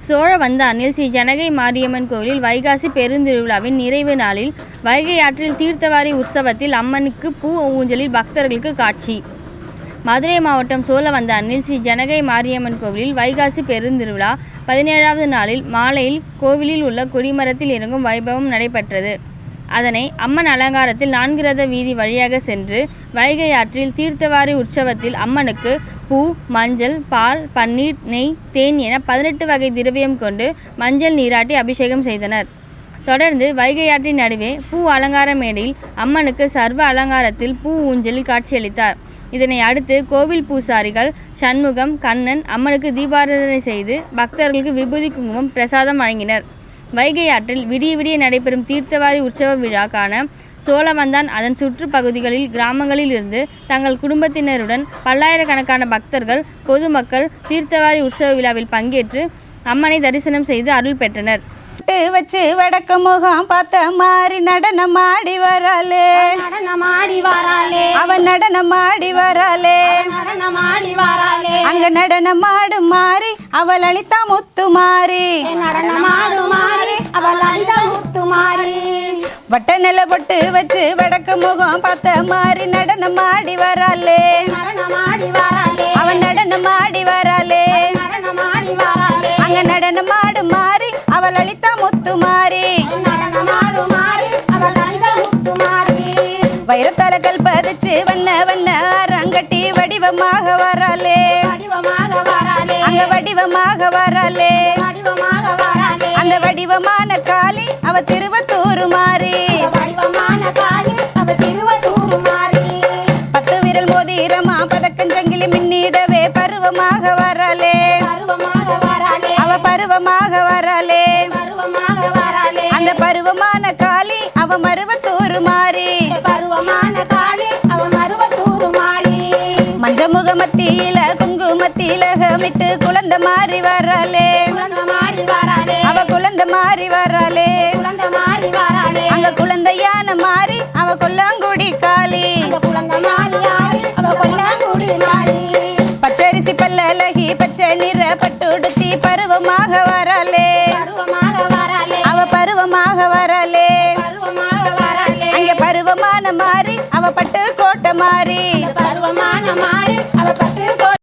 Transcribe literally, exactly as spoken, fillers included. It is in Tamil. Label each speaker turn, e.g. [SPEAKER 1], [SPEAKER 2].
[SPEAKER 1] சோழவந்தானில் ஸ்ரீ ஜனகை மாரியம்மன் கோவிலில் வைகாசி பெருந்திருவிழாவின் நிறைவு நாளில் வைகை ஆற்றில் தீர்த்தவாரி உற்சவத்தில் அம்மனுக்கு பூ ஊஞ்சலில் பக்தர்களுக்கு காட்சி. மதுரை மாவட்டம் சோழவந்தானில் ஸ்ரீ ஜனகை மாரியம்மன் கோவிலில் வைகாசி பெருந்திருவிழா பதினேழாவது நாளில் மாலையில் கோவிலில் உள்ள கொடிமரத்தில் இறங்கும் வைபவம் நடைபெற்றது. அதனை அம்மன் அலங்காரத்தில் நான்கு ரத வீதி வழியாக சென்று வைகை ஆற்றில் தீர்த்தவாரி உற்சவத்தில் அம்மனுக்கு பூ, மஞ்சள், பால், பன்னீர், நெய், தேன் என பதினெட்டு வகை திரவியம் கொண்டு மஞ்சள் நீராட்டி அபிஷேகம் செய்தனர். தொடர்ந்து வைகை ஆற்றின் நடுவே பூ அலங்கார மேடையில் அம்மனுக்கு சர்வ அலங்காரத்தில் பூ ஊஞ்சலில் காட்சியளித்தார். இதனை அடுத்து கோவில் பூசாரிகள் சண்முகம், கண்ணன் அம்மனுக்கு தீபாராதனை செய்து பக்தர்களுக்கு விபூதி குங்குமம் பிரசாதம் வழங்கினர். வைகை ஆற்றில் விடிய விடிய நடைபெறும் தீர்த்தவாரி உற்சவ விழா காண சோழவந்தான் அதன் சுற்று பகுதிகளில் கிராமங்களில் இருந்து தங்கள் குடும்பத்தினருடன் பல்லாயிரக்கணக்கான பக்தர்கள் பொதுமக்கள் தீர்த்தவாரி உற்சவ விழாவில் பங்கேற்று அம்மனை தரிசனம் செய்து அருள் பெற்றனர்.
[SPEAKER 2] வச்சு வடக்க முகம் பார்த்த மாதிரி நடனம் ஆடி வராளே
[SPEAKER 3] நடனம் ஆடி வராளே
[SPEAKER 2] அவன் நடனம் ஆடி வராளே
[SPEAKER 3] நடனம் ஆடி வராளே
[SPEAKER 2] அங்க நடனம் ஆடு மாறி அவள் அளித்தா முத்து மாறி
[SPEAKER 3] நடனம் ஆடு மாறி அவள் அளித்தா முத்து மாறி
[SPEAKER 2] வட்ட நில பொட்டு வச்சு வடக்க முகம் பார்த்த மாதிரி நடனம் ஆடி வராளே
[SPEAKER 3] நடனம் ஆடி வராளே
[SPEAKER 2] அவன் நடனம் ஆடி வராளே
[SPEAKER 3] நடனம் ஆடி வராளே
[SPEAKER 2] அங்க நடனம் ஆடு மாறி அவள் அளித்தா முத்து மாறி
[SPEAKER 3] நடனம் ஆடு மாறி அவள் அளித்தா முத்து மாறி
[SPEAKER 2] வைரத்தால கல்பதிச்சு வண்ண வண்ண அரங்கட்டி வடிவமாக வராளே
[SPEAKER 3] வடிவமாக வராளே
[SPEAKER 2] அங்க வடிவமாக வராளே
[SPEAKER 3] வடிவமாக வராளே
[SPEAKER 2] அந்த வடிவமான காளி அவ திருவத்தூர் மாறி
[SPEAKER 3] வடிவமான காளி அவ திருவத்தூர் மாறி
[SPEAKER 2] பத்து விரல் மோதிரமா பதக்கஞ்சங்கிலி மின்னிடவே பருவமாக வராளே
[SPEAKER 3] பருவமாக வராளே
[SPEAKER 2] அவ பருவமாக வராளே
[SPEAKER 3] பருவமாக வராளே
[SPEAKER 2] அந்த பருவமான காளி அவ மருவத்தூர் மாறி
[SPEAKER 3] பருவமான காளி அவ மருவத்தூர் மாறி
[SPEAKER 2] மஞ்சமுக மத்தியில குங்குமத்தில மிட்டு குழந்தை மாறி வராளே
[SPEAKER 3] குழந்தை மாறி வராளே
[SPEAKER 2] அவ குழந்தை மாறி வராளே
[SPEAKER 3] குழந்தை மாறி வராளே
[SPEAKER 2] அங்க குழந்தையான மாறி அவ கொல்லாங்குடி காளி
[SPEAKER 3] குழந்தை மாறி ஆடி அவ கொல்லாங்குடி மாறி
[SPEAKER 2] பச்சரிசி பல்லழகி பச்சை நிற பட்டுடுத்தி பருவமாக வராளே
[SPEAKER 3] பருவமாக வராளே
[SPEAKER 2] அவ பருவமாக வராளே
[SPEAKER 3] பருவமாக வராளே
[SPEAKER 2] அங்க பருவமான மாறி அவ பட்டு கோட்டை மாறி
[SPEAKER 3] பருவமான மாறி அவ பட்டு